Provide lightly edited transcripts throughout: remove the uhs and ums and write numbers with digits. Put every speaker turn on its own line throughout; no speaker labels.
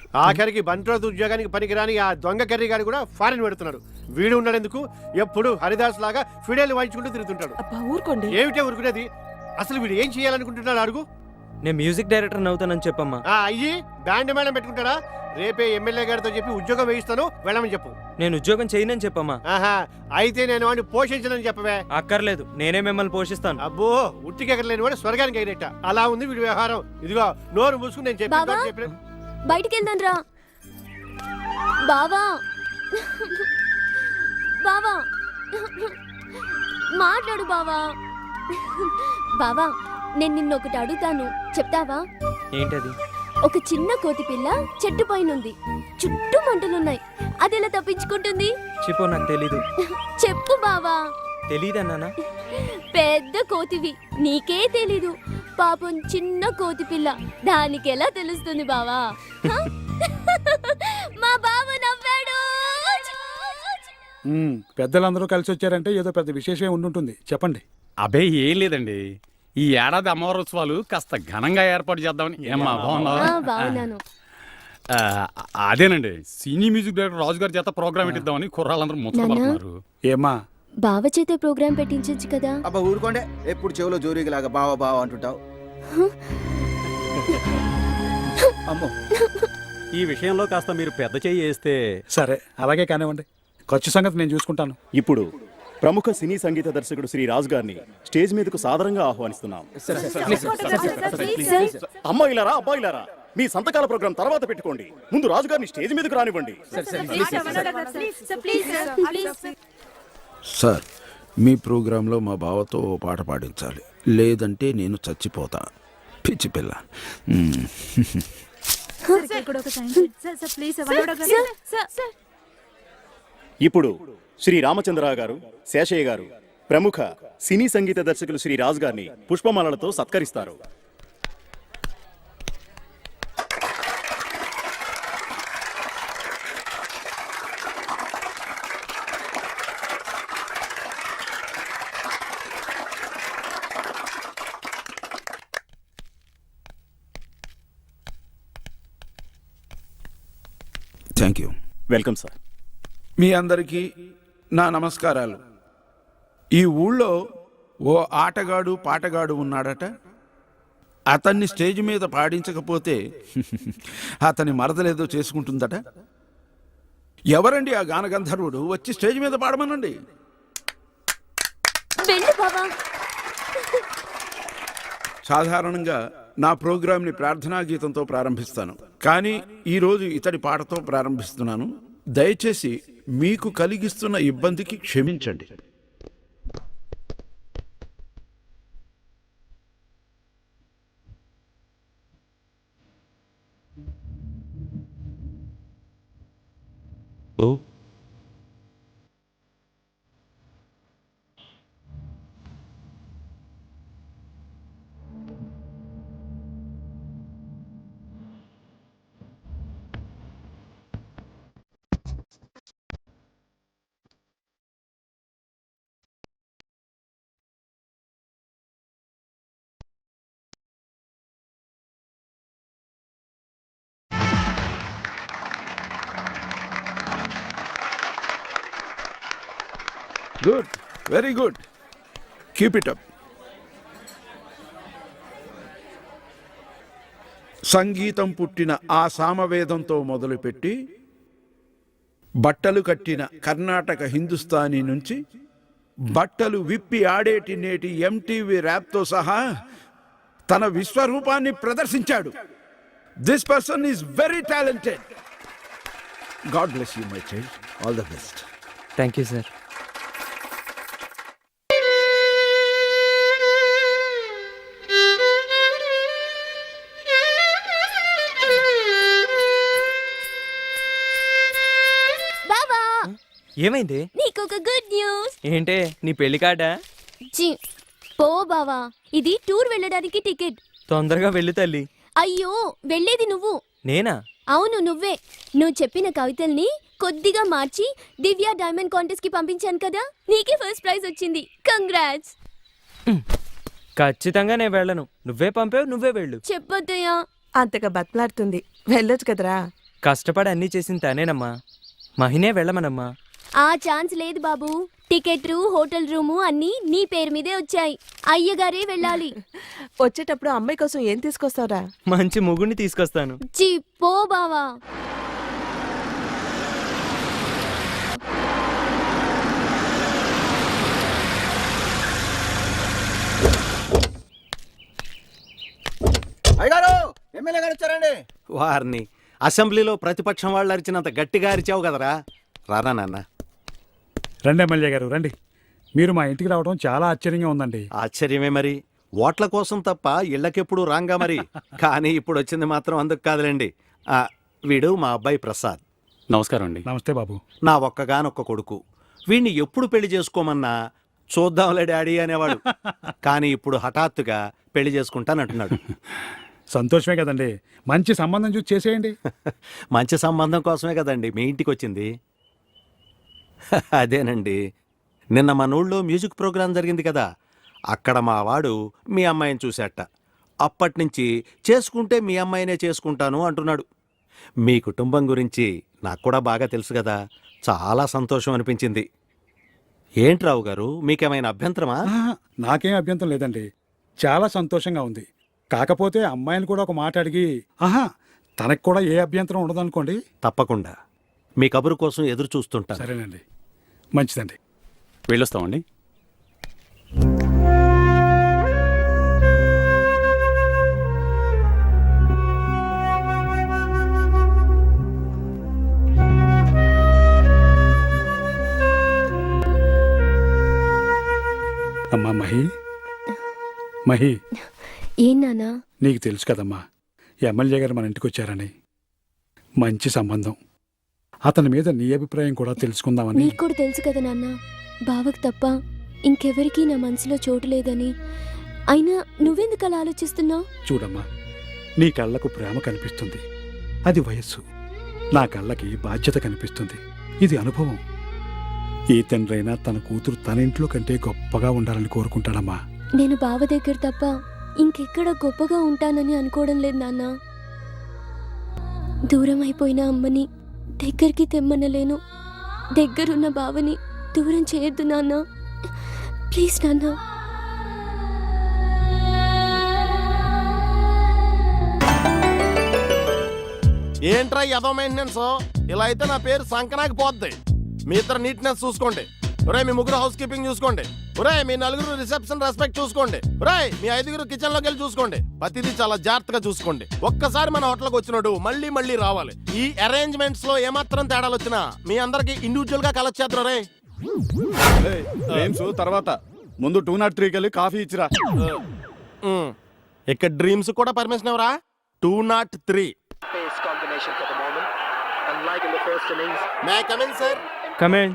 ఆఖరికి బంట్రోత్ ఉద్యోగానికి పనికిరాని ఆ దొంగ కర్రీ గారు కూడా ఫారెన్ పెడుతున్నాడు. వీడు ఉన్నాడెందుకు? ఎప్పుడు హరిదాస్ లాగా ఫిడేలు వాయించుకుంటూ తిరుగుతుంటాడు.
ఊరుకోండి.
ఏమిటే ఊరుకునేది? అసలు వీడు ఏం చేయాలనుకుంటున్నాడు అడుగు.
నేను మ్యూజిక్ డైరెక్టర్ అవుతానని చెప్పమ్మా.
అయ్యి బ్యాండ్ మేళం పెట్టుకుంటాడా? రేపే ఎమ్మెల్యే గారితో చెప్పి ఉద్యోగం వేయిస్తాను, వెళ్ళమని చెప్పు.
నేను ఉద్యోగం చేయనని చెప్పమ్మా.
ఆహా, అయితే నేను వాడిని పోషించనని చెప్పవే.
అక్కర్లేదు, నేనే మిమ్మల్ని పోషిస్తాను.
అబ్బో, ఉట్టికెక్కర్లేని వాడు స్వర్గానికి అయినట్ట. అలా ఉంది వీడి వ్యవహారం. ఇదిగో నోరు మూసుకుని నేను చెప్పిన
బయటికి వెళ్దాం రా బావా. బావా మాట్లాడు బావా. బావా, నేను నిన్నొకటి అడుగుతాను, చెప్తావా?
ఏంటది?
ఒక చిన్న కోతి పిల్ల చెట్టు పైనుంది, చుట్టూ మంటలున్నాయి, అది ఎలా తప్పించుకుంటుంది?
చెప్పు, నాకు తెలీదు.
చెప్పు బావా.
తెలీదన్నానా?
పెద్ద కోతివి, నీకే తెలీదు. పాపం చిన్న కోతి పిల్ల, దానికి ఎలా తెలుస్తుంది బావా? మా బావ నవ్వాడు.
పెద్దలందరూ కలిసి వచ్చారంటే ఏదో పెద్ద విశేషమే ఉండుంటుంది. చెప్పండి.
అబే ఏం లేదండి, ఈ ఏడాది అమ్మవారి ఉత్సవాలు కాస్త ఘనంగా ఏర్పాటు చేద్దామని. ఏమ్మా
బాగున్నాను.
అదేనండి, సినీ మ్యూజిక్ డైరెక్టర్ రాజు గారి చేత ప్రోగ్రామ్ పెట్టిద్దామని కుర్రాళ్ళందరూ ముచ్చటపడుతున్నారు.
ఏమ్మా,
బావ చేత ప్రోగ్రాం పెట్టించచ్చు కదా?
అబ్బా ఊరుకోండే, ఎప్పుడు చెవిలో జోరీలాగా బావా బావా అంటుంటావు. అమ్మో,
ఈ విషయంలో కాస్త మీరు పెద్ద చెయ్యి వేస్తే.
సరే అలాగే కానివ్వండి, ఖర్చు సంగతి నేను చూసుకుంటాను.
ఇప్పుడు ప్రముఖ సినీ సంగీత దర్శకుడు శ్రీ రాజు గారిని స్టేజ్ మీదకు సాదరంగా ఆహ్వానిస్తున్నాం. అమ్మాయిలారా, అబ్బాయిలారా, మీ సంతకాల ప్రోగ్రాం తర్వాత పెట్టుకోండి. ముందు రాజు గారిని స్టేజ్ మీదకు రానివ్వండి.
సార్, మీ ప్రోగ్రాంలో మా బావతో ఓ పాట పాడించాలి, లేదంటే నేను చచ్చిపోతా. పిచ్చి పిల్ల.
ఇప్పుడు శ్రీ రామచంద్రరావు గారు, శేషయ్య గారు, ప్రముఖ సినీ సంగీత దర్శకులు శ్రీ రాజు గారిని పుష్పమాలలతో సత్కరిస్తారు.
Thank you.
Welcome sir.
మీ అందరికీ నా నమస్కారాలు. ఈ ఊళ్ళో ఓ ఆటగాడు పాటగాడు ఉన్నాడట. అతన్ని స్టేజ్ మీద పాడించకపోతే అతని మరదలేదో చేసుకుంటుందట. ఎవరండి ఆ గానగంధర్వుడు? వచ్చి స్టేజ్ మీద పాడమనండి. సాధారణంగా నా ప్రోగ్రాంని ప్రార్థనా గీతంతో ప్రారంభిస్తాను, కానీ ఈరోజు ఇతడి పాటతో ప్రారంభిస్తున్నాను. దయచేసి మీకు కలిగిస్తున్న ఇబ్బందికి క్షమించండి. Good, very good, keep it up. సంగీతం పుట్టిన ఆ సామవేదంతో మొదలుపెట్టి బట్టలు కట్టిన కర్ణాటక హిందుస్థానీ నుంచి బట్టలు విప్పి ఆడేటి నేటి ఎంటీవీ ర్యాప్తో సహా తన విశ్వరూపాన్ని ప్రదర్శించాడు. This person is very talented. God bless you my child. All the best.
Thank you sir. ఏమైంది?
నీకొక గుడ్ న్యూస్.
ఏంటే, నీ పెళ్లి కార్డా?
పో బావా, ఇది టూర్ వెళ్ళడానికి టికెట్.
తొందరగా వెళ్ళు తల్లి.
అయ్యో, వెళ్ళేది నువ్వు.
నేనా?
అవును, నువ్వే. నువ్వు చెప్పిన కవితల్ని కొద్దిగా మార్చి దివ్య డైమండ్ కాంటెస్ట్ కి పంపించాను కదా, నీకే ఫస్ట్ ప్రైజ్ వచ్చింది. కంగ్రాట్స్.
ఖచ్చితంగా నేను వెళ్ళను. నువ్వే పంపావు, నువ్వే వెళ్ళు.
చెప్పొద్దయ్యా.
అంతగా బతలాడుతుంది, వెళ్ళొచ్చు కదరా.
కష్టపడి అన్నీ చేసింది తనేనమ్మా. మహినే వెళ్ళమనమ్మా.
ఆ ఛాన్స్ లేదు బాబు. టికెట్ హోటల్ రూము అన్నీ నీ పేరు మీదే వచ్చాయి. అయ్యగారే వెళ్ళాలి.
వచ్చేటప్పుడు అమ్మాయి కోసం ఏం తీసుకొస్తావురా?
మంచి ముగ్గురిని తీసుకొస్తాను.
చి పో బావా.
అయ్యగారు ఎమ్మెల్యే గారు వచ్చారండి.
వారిని అసెంబ్లీలో ప్రతిపక్షం వాళ్ళు అరిచినంత గట్టిగా అరిచావు కదరా. రారా నాన్న.
రండి ఎమ్మెల్యే గారు రండి. మీరు మా ఇంటికి రావడం చాలా ఆశ్చర్యంగా ఉందండి.
ఆశ్చర్యమే మరి. ఓట్ల కోసం తప్ప ఇళ్ళకెప్పుడు రాంగా మరి. కానీ ఇప్పుడు వచ్చింది మాత్రం అందుకు కాదులేండి. వీడు మా అబ్బాయి ప్రసాద్.
నమస్కారం అండి.
నమస్తే బాబు.
నా ఒక్కగానొక్క కొడుకు. వీడిని ఎప్పుడు పెళ్లి చేసుకోమన్నా చూద్దాంలే డాడీ అనేవాడు. కానీ ఇప్పుడు హఠాత్తుగా పెళ్లి చేసుకుంటానంటున్నాడు.
సంతోషమే కదండి. మంచి సంబంధం చూసి చేసేయండి.
మంచి సంబంధం కోసమే కదండి మీ ఇంటికి వచ్చింది. అదేనండి, నిన్న మన ఊళ్ళో మ్యూజిక్ ప్రోగ్రాం జరిగింది కదా, అక్కడ మా వాడు మీ అమ్మాయిని చూశాట. అప్పటినుంచి చేసుకుంటే మీ అమ్మాయినే చేసుకుంటాను అంటున్నాడు. మీ కుటుంబం గురించి నాకు కూడా బాగా తెలుసు కదా, చాలా సంతోషం అనిపించింది. ఏంటి రావు గారు, మీకేమైనా అభ్యంతరమా?
నాకేం అభ్యంతరం లేదండి. చాలా సంతోషంగా ఉంది. కాకపోతే అమ్మాయిని కూడా ఒక మాట అడిగి తనకు కూడా ఏ అభ్యంతరం ఉండదనుకోండి.
తప్పకుండా మీ కబురు కోసం ఎదురు చూస్తుంటా.
సరేనండి, మంచిదండి.
వెళ్ళొస్తామండి.
అమ్మా మహి
ఏం నాన్నా?
నీకు తెలుసు కదమ్మా, ఎమ్మెల్యే గారు మన ఇంటికి వచ్చారని. మంచి సంబంధం. అతని మీద నీ అభిప్రాయం కూడా తెలుసుకుందామని.
నీకు కూడా తెలుసు కదా నాన్న, బావకు తప్ప ఇంకెవరికీ నా మనసులో చోటు లేదని. అయినా నువ్వెందుకు అలా ఆలోచిస్తున్నావు?
చూడమ్మా, నీ కళ్ళకు ప్రేమ కనిపిస్తుంది, అది వయస్సు. నా కళ్ళకి బాధ్యత కనిపిస్తుంది, ఇది అనుభవం. ఏ తండ్రైనా తన కూతురు తన ఇంట్లో కంటే గొప్పగా ఉండాలని కోరుకుంటాడమ్మా.
నేను బావ దగ్గర తప్ప ఇంకెక్కడ గొప్పగా ఉంటానని అనుకోవడం లేదు నాన్న. దూరం అయిపోయిన అమ్మని దగ్గరికి తెమ్మనలేను. దగ్గరున్న బావని దూరం చేయొద్దు నాన్న, ప్లీజ్ నాన్న.
ఏంట్రా ఎదో మెయింటెనెన్స్? ఇలా అయితే నా పేరు సంకనాకి పోద్ది. మీ ఇద్దరు నీట్నెస్ చూసుకోండి. ఒరే మీ ముగ్గురు హౌస్ కీపింగ్ చూసుకోండి. ఒరే మీ నలుగురు రిసెప్షన్ రెస్పెక్ట్ చూసుకోండి. ఒరే మీ ఐదుగురు కిచెన్ లోకి వెళ్ళి చూసుకోండి. ప్రతిదీ చాలా జాగ్రత్తగా చూసుకోండి. ఒక్కసారి మన హోటల్కి వచ్చినాడు మళ్ళీ మళ్ళీ రావాలి. ఈ అరేంజ్మెంట్స్ లో ఏమాత్రం తేడాలు వచ్చినా మీ అందరికి ఇండివిజువల్ గా కలెక్ట్ చేద్దాం. రే
తర్వాత ముందు 203 వెళ్ళి కాఫీ ఇచ్చిరా.
ఇక్కడ డ్రీమ్స్ కూడా పర్మిషన్ ఎవరా? 203. May I come in, sir?
Come in.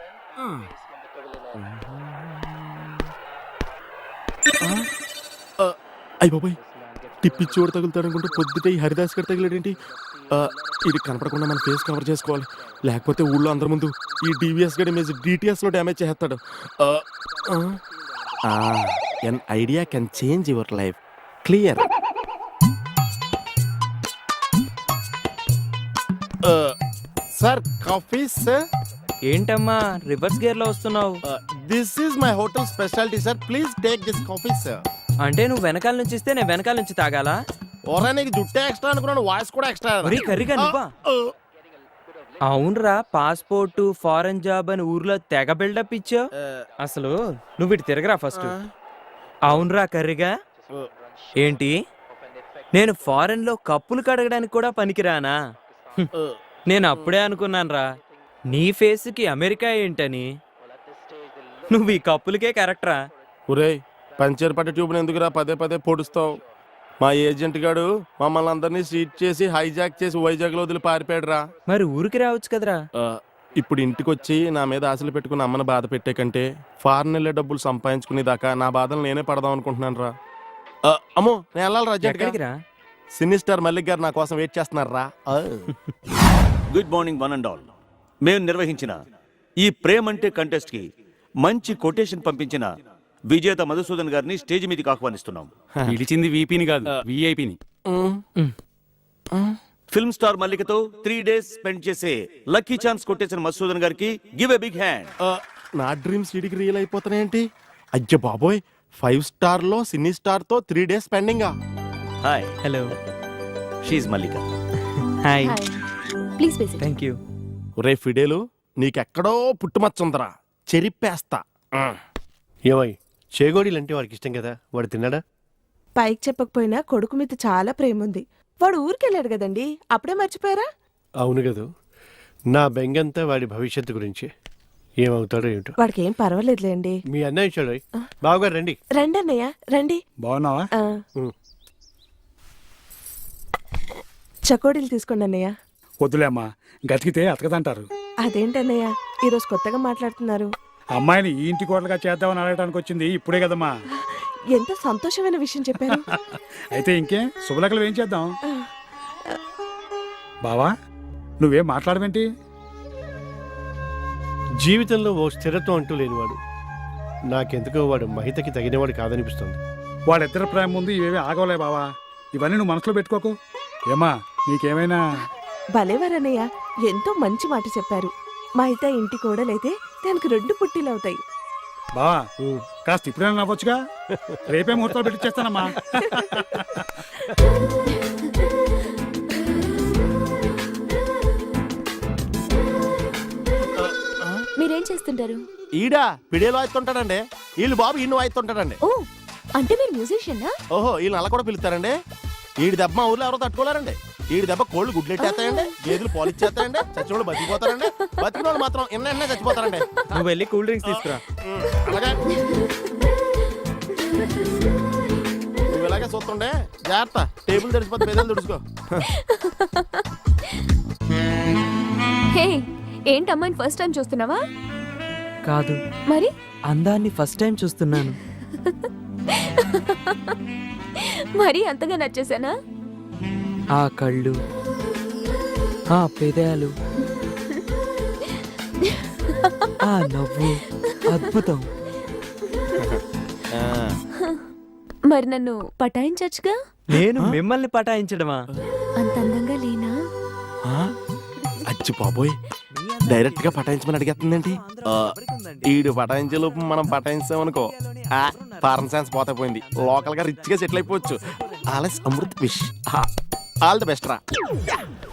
అయ్య బాబాయ్, టిప్పిచ్చి చోటు తగులుతాడు అనుకుంటే పొద్దుటే ఈ హరిదాస్ గడి తగిలేడేంటి? ఇది కనపడకుండా మన ఫేస్ కవర్ చేసుకోవాలి, లేకపోతే ఊళ్ళో అందరి ముందు ఈ డివిఎస్ గడి ఇమేజ్ డిటిఎస్ లో డ్యామేజ్ చేస్తాడు. An idea can change your life. Clear. Sir coffee sir.
ఏంటమ్మా రివర్స్ గేర్ లో వస్తున్నావు?
This is my hotel speciality sir, please take this coffee sir.
అంటే నువ్వు వెనకాల నుంచి ఇస్తే నేను వెనకాల నుంచి తాగాలా?
ఓరా నీకు జుట్టే ఎక్స్ట్రా అనుకున్నాను, వాయిస్ కూడా ఎక్స్ట్రా.
మరీ కర్రీగా నువ్వా? అవునరా, పాస్పోర్ట్ ఫారెన్ జాబ్ అని ఊర్లో తెగ బిల్డప్ ఇచ్చావు. అసలు నువ్వు ఇటు తిరగరా ఫస్ట్. అవునరా కర్రీగా. ఏంటి నేను ఫారెన్ లో కప్పులు కడగడానికి కూడా పనికిరానా? నేను అప్పుడే అనుకున్నానురా నీ ఫేస్కి అమెరికా ఏంటని. నువ్వు ఈ కప్పులకే కరెక్టరా.
ఒరే పంచర్ పట్ట ట్యూబ్ని ఎందుకురా పదే పదే పొడుస్తావు? మా ఏజెంట్ గాడు మమ్మల్ని అందరినీ సీట్ చేసి హైజాక్ చేసి వైజాగ్ లో వదిలి పారిపోయాడురా.
మరి ఊరికి రావచ్చు కదరా.
ఇప్పుడు ఇంటికి వచ్చి నా మీద ఆశలు పెట్టుకుని అమ్మని బాధ పెట్టే కంటే ఫారెన్ వెళ్ళే డబ్బులు సంపాదించుకునేదాకా నా బాధలు నేనే పడదాం అనుకుంటున్నాను రా. అమ్మో నేను వెళ్ళాలి రా.
ఎక్కడికి రా?
సినీ స్టార్ మల్లిక్ గారు నా కోసం వెయిట్ చేస్తున్నారు రా.
Good morning one and all. మేము నిర్వహించిన ఈ ప్రేమంటే కంటెస్ట్ కి మంచి కొటేషన్ పంపించిన విజేత మధుసూదన్ గారిని స్టేజ్ మీదకి ఆహ్వానిస్తున్నాం.
పిలిచింది వీపీని కాదు, విఐపిని.
ఫిల్మ్ స్టార్ మల్లికతో 3 డేస్ స్పెండ్ చేసే లక్కీ ఛాన్స్ కొట్టేసిన మధుసూదన్ గారికి గివ్ ఎ బిగ్ హ్యాండ్.
నా డ్రీమ్స్ వీడికి రియల్ అయిపోతున్నాయేంటి? అయ్య బాబోయ్, 5 స్టార్ లో సినీ స్టార్ తో 3 డేస్ పెండింగా.
Hi,
hello.
షీఈ్ Mallika.
Hi.
Please basic.
Thank you.
ఒరే ఫిడేలు, నీకెక్కడో పుట్టుమచ్చుందరా, చెరిప్పేస్తా.
ఏమై చేగోడీలు అంటే వాడికి ఇష్టం కదా, వాడు తిన్నాడా?
పైకి చెప్పకపోయినా కొడుకు మీద చాలా ప్రేమ ఉంది. వాడు ఊరికెళ్ళాడు కదండి, అప్పుడే మర్చిపోయారా?
అవును కదా, నా బెంగంతా వాడి భవిష్యత్తు గురించి. ఏమవుతాడో ఏమిటో.
వాడికి ఏం పర్వాలేదులేండి.
మీ అన్నయ్య చూడ బావగారు రండి.
రండి అన్నయ్య రండి.
బాగున్నావా?
ఆ. చకోడీలు తీసుకోండి అన్నయ్య.
వద్దులేమ్మా, గతికితే అతకదంటారు.
అదేంటన్నయ్య ఈరోజు కొత్తగా మాట్లాడుతున్నారు?
అమ్మాయిని ఈ ఇంటి కోడలుగా చేద్దామని అడగడానికి వచ్చింది ఇప్పుడే కదమ్మా.
ఎంత సంతోషమైన విషయం చెప్పారు.
అయితే ఇంకే శుభలకలు ఏం చేద్దాం? బావా, నువ్వేం మాట్లాడవేంటి?
జీవితంలో ఓ స్థిరత్వం అంటూ లేనివాడు. నాకెందుకో వాడు మహితకి తగినవాడు కాదనిపిస్తుంది.
వాళ్ళిద్దరి ప్రేమ ముందు ఇవేవి ఆగవలే బావా. ఇవన్నీ నువ్వు మనసులో పెట్టుకోకు. ఏమా, నీకేమైనా?
భలేవారన్నయ్య, ఎంతో మంచి మాట చెప్పారు. మా అయితే ఇంటి కోడలైతే దానికి 2 పుట్టిలు అవుతాయి.
బావా, కాస్త ఇప్పుడైనా నవ్వొచ్చుగా. రేపే ముహూర్తాలు పెట్టిచ్చేస్తానమ్మా.
మీరేం చేస్తుంటారు?
ఈడా పిడేలో వాయిస్తుంటాడండి, వీళ్ళు బాబు ఈయన వాయిస్తుంటాడండి.
ఓ, అంటే మీరు మ్యూజిషియనా?
ఓహో, వీళ్ళని అలా కూడా పిలుస్తారండి. ఈడి దెబ్బ మా ఊర్లో ఎవరో తట్టుకోలేరండి. ఈడి దెబ్బ కోళ్ళు గుడ్లెట్టేస్తాయండి, గేదెలు పాలిచ్చేస్తాయండి, చచ్చిన వాళ్ళు బతికిపోతారండి. బతికిన వాళ్ళు మాత్రం ఎన్న చచ్చిపోతారండి.
నువ్వు వెళ్ళి కూల్ డ్రింక్స్ తీసుకురా.
అలాగే నువ్వు ఇలాగే చూస్తుండే జాగ్రత్త, టేబుల్ తెడిచిపోతే పెదలు తుడుచుకో.
హే, ఏంటి అమ్మాయిని ఫస్ట్ టైం చూస్తున్నావా?
కాదు,
మరి
అందాన్ని ఫస్ట్ టైం చూస్తున్నాను.
మరి అంతగా నచ్చేసానా?
ఆ కళ్ళు, ఆ పెదాలు, ఆ నవ్వు అద్భుతం.
మరి నన్ను పటాయించచ్చుగా?
నేను మిమ్మల్ని పటాయించడమా?
అంత అందంగా లేనా?
అచ్చి బాబోయ్, డైరెక్ట్ గా పటాయించమని అడిగేస్తుందండి. ఈడు పటాయించే లోపు మనం పటాయించామనుకో, ఫారెన్ సైన్స్ పోతే పోయింది. లోకల్ గా రిచ్ గా సెటిల్ అయిపోవచ్చు. ఆలస్ అమృత్ విష్. ఆల్ ది బెస్ట్ రా.